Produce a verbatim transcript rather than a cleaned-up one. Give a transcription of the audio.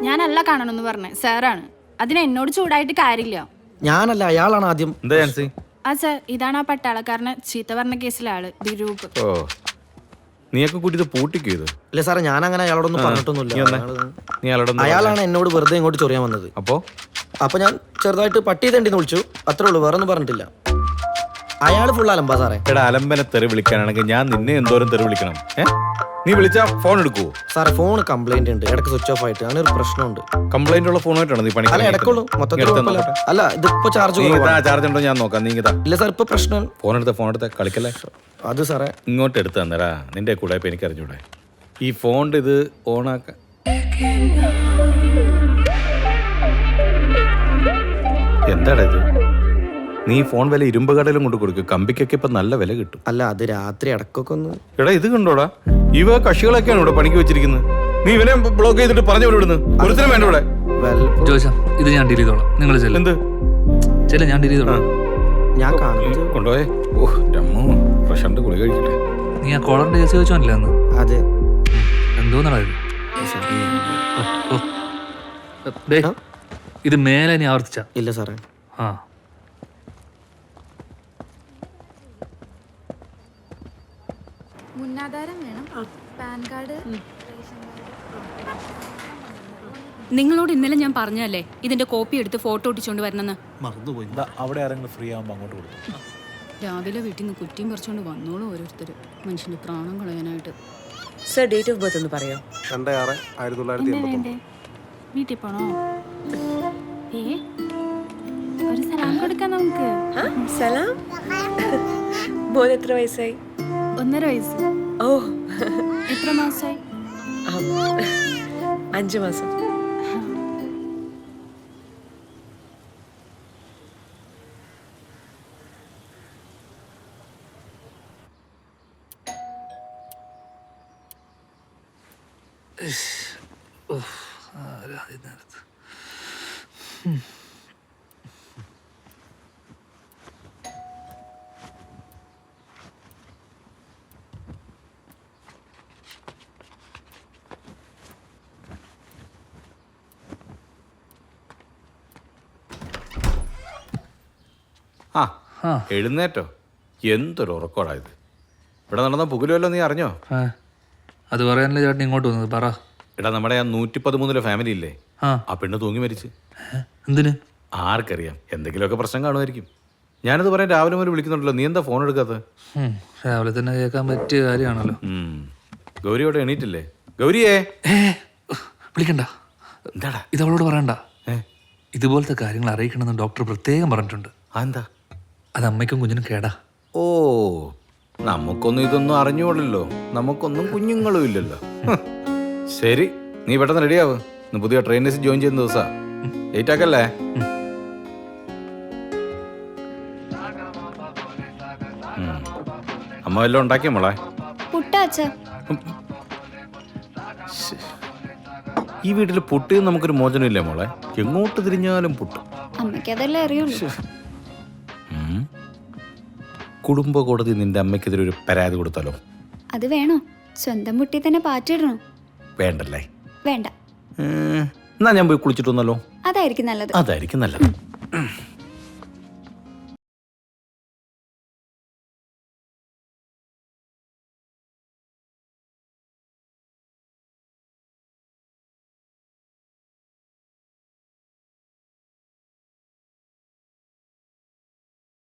ഞാനല്ല കാണണമെന്ന് പറഞ്ഞേ സാറാണ്. അതിന് എന്നോട് ചൂടായിട്ട് കാര്യമില്ല. ഞാനല്ല, അയാളാണ് ആദ്യം. എന്താ ജാൻസി? ആ സാർ, ഇതാണ് ആ പട്ടാളക്കാരനെ ചീത്ത പറഞ്ഞ കേസിലെ ആള്, ദിരൂപ്. ഓ, നീയൊക്കെ കൂട്ടി പൂട്ടിക്കോ? ഇല്ല സാറേ, ഞാൻ അങ്ങനെ അയാളോടൊന്നും പറഞ്ഞിട്ടൊന്നുമില്ല. നീ അയാളോടൊന്നും അയാളാണ് എന്നോട് വെറുതെ ഇങ്ങോട്ട് ചൊറിയാൻ വന്നത്. അപ്പോ അപ്പൊ ഞാൻ ചെറുതായിട്ട് പട്ടി തണ്ടിന്ന് വിളിച്ചു, അത്രേ ഉള്ളൂ, വേറെ ഒന്നും പറഞ്ഞിട്ടില്ല. അയാള് ഫുൾ അലമ്പാ സാറേ. എടാ, അലമ്പനെ തെറി വിളിക്കാനാണെങ്കിൽ ഞാൻ നിന്നെ എന്തോരം തെറി വിളിക്കണം? ഏ, നീ വിളിച്ചാ ഫോൺ എടുക്കുവോ? സാറേ, ഫോൺ കംപ്ലൈന്റ് ഉണ്ട്, ഇടയ്ക്ക് സ്വിച്ച് ഓഫ് ആയിട്ട്, അങ്ങനെ ഒരു പ്രശ്നമുണ്ട്. കംപ്ലൈന്റ് ഉള്ള ഫോണായിട്ടാണോ നീ പണി? അല്ല, ഇടയ്ക്കുള്ളൂ, മൊത്തത്തിൽ അല്ല, ഇതിപ്പോ ചാർജ് ചാർജ് ഉണ്ടോ ഞാൻ നോക്കാം. നീ ഇതാ. ഇല്ല സാർ, ഇപ്പൊ പ്രശ്നം. ഫോൺ എടുത്ത ഫോൺ എടുത്ത കളിക്കല്ലേ. അത് സാറേ ഇങ്ങോട്ട് എടുത്ത് തന്നേരാ, നിന്റെ കൂടെ ഇപ്പൊ എനിക്ക് അറിഞ്ഞൂടെ. ഈ ഫോണിന്റെ ഇത് ഓണാക്കാൻ എന്താടാ ഇത്? നീ ഫോൺ വില ഇരുമ്പ് കടയിലും കൊണ്ട് കൊടുക്കും, കമ്പിക്കൊക്കെ ഇപ്പൊ നല്ല വില കിട്ടും. അല്ല, അത് രാത്രി ഇടക്കൊക്കെ ഒന്ന്. എടാ, ഇത് കണ്ടോടാ, ഇവ കക്ഷികളൊക്കെയാണ് ഇവിടെ പണിക്ക് വെച്ചിരിക്കുന്നത്. നീ ഇവനെ ബ്ലോക്ക് ചെയ്തിട്ട് പറഞ്ഞു വിടുന്നു. ഒരുത്തരം വേണ്ട ഇവിടെ. ജോയിച്ചാ, ഇത് ഞാൻ ഡീൽ ചെയ്തോളാം. നിങ്ങൾ ചെല്ല്. എന്ത് ചെല്ല്, ഞാൻ ഡീൽ ചെയ്തോളാം. ഞാൻ കാണുന്നത് കൊണ്ടുപോയേ. ഓഹ് രമ്മോ, പ്രശാന്ത് ഗുളി കഴിക്കട്ടെ. നീ ആ കോളറിന്റെ കേസ് ചോദിച്ചോന്നില്ല അന്ന്? അതെ. എന്തോന്നാ ഇത്? ഡേ, ഇത് മേലെ നീ ആവർത്തിച്ച? ഇല്ല സാറേ. ആ, മുന്നാധാരം വേണം, പാൻ കാർഡ്. നിങ്ങളോട് ഇന്നലെ ഞാൻ പറഞ്ഞല്ലേ ഇതിന്റെ കോപ്പി എടുത്ത് ഫോട്ടോ ഒട്ടിച്ചോണ്ട് വരണമെന്ന്. മറന്നുപോയി. അവിടെ ആരെങ്കിലും ഫ്രീ ആകുമ്പോൾ അങ്ങോട്ട് കൊടുത്തു. രാവിലെ വീട്ടിൽ നിന്ന് കുറ്റിയും പറിച്ചോണ്ട് വന്നോളൂ ഓരോരുത്തർ, മനുഷ്യന്റെ പ്രാണം കളയാനായിട്ട്. സർ, ഡേറ്റ് ഓഫ് ബർത്ത് ഒന്ന് പറയോ? രണ്ട് ആറ് ആയിരത്തി തൊള്ളായിരത്തി എൺപത്തി വീട്ടിൽ പോണോ? ഏ, ഒരു സലാം കൊടുക്കാം നമുക്ക്. സലാം. മോൻ എത്ര വയസ്സായി? ഒന്നര വയസ്സ്. ഓ, എത്ര മാസമായി? അഞ്ചു മാസം. ആ, എഴുന്നേറ്റോ? എന്തൊരു ഉറക്കോടാ ഇത്. ഇവിടെ നടന്ന പുകലുമല്ലോ, നീ അറിഞ്ഞോ? അത് പറയാനല്ലേ ചേട്ടൻ ഇങ്ങോട്ട് വന്നത്? പറ. എടാ, നമ്മുടെ ആ നൂറ്റി പതിമൂന്നിലെ ഫാമിലി ഇല്ലേ, ആ പെണ്ണ് തൂങ്ങി മരിച്ച്. എന്തിന്? ആർക്കറിയാം, എന്തെങ്കിലുമൊക്കെ പ്രശ്നം കാണുമായിരിക്കും. ഞാനത് പറയാൻ രാവിലെ മുതൽ വിളിക്കുന്നുണ്ടല്ലോ, നീ എന്താ ഫോൺ എടുക്കാത്തത്? രാവിലെ തന്നെ കേൾക്കാൻ പറ്റിയ കാര്യമാണല്ലോ. ഗൗരിയോടെ എണീറ്റില്ലേ? ഗൗരിയേ, വിളിക്കണ്ട. എന്താടാ ഇത് അവളോട് പറയണ്ട. ഇതുപോലത്തെ കാര്യങ്ങൾ അറിയിക്കണമെന്ന് ഡോക്ടർ പ്രത്യേകം പറഞ്ഞിട്ടുണ്ട്. അതെന്താ? അത് അമ്മയ്ക്കും കുഞ്ഞിനും കേടാ. ഓ, നമുക്കൊന്നും ഇതൊന്നും അറിഞ്ഞോളല്ലോ, നമുക്കൊന്നും കുഞ്ഞുങ്ങളും ഇല്ലല്ലോ. ശരി, നീ പെട്ടെന്ന് റെഡിയാവ്. ഇന്ന് പുതിയ ട്രെയിനേഴ്സ് ജോയിൻ ചെയ്യുന്ന ദിവസാ. ലേറ്റ് ആക്കല്ലേ? അമ്മ വല്ലതും ഉണ്ടാക്കിയ മോളെ? ഈ വീട്ടിൽ പുട്ട് നമുക്കൊരു മോചനമില്ലേ മോളെ? എങ്ങോട്ട് തിരിഞ്ഞാലും പുട്ട്. അമ്മയ്ക്കതല്ലേ അറിയുള്ളൂ. കുടുംബ കോടതി നിന്റെ അമ്മയ്ക്കെതിരെ ഒരു പരാതി കൊടുത്താലോ? അത് വേണോ? സ്വന്തം മുട്ടി തന്നെ പാറ്റിടണോ? വേണ്ടല്ലേ? വേണ്ട. എന്നാ ഞാൻ പോയി കുളിച്ചിട്ട് വന്നല്ലോ. അതായിരിക്കും നല്ലത്. അതായിരിക്കും നല്ലത്.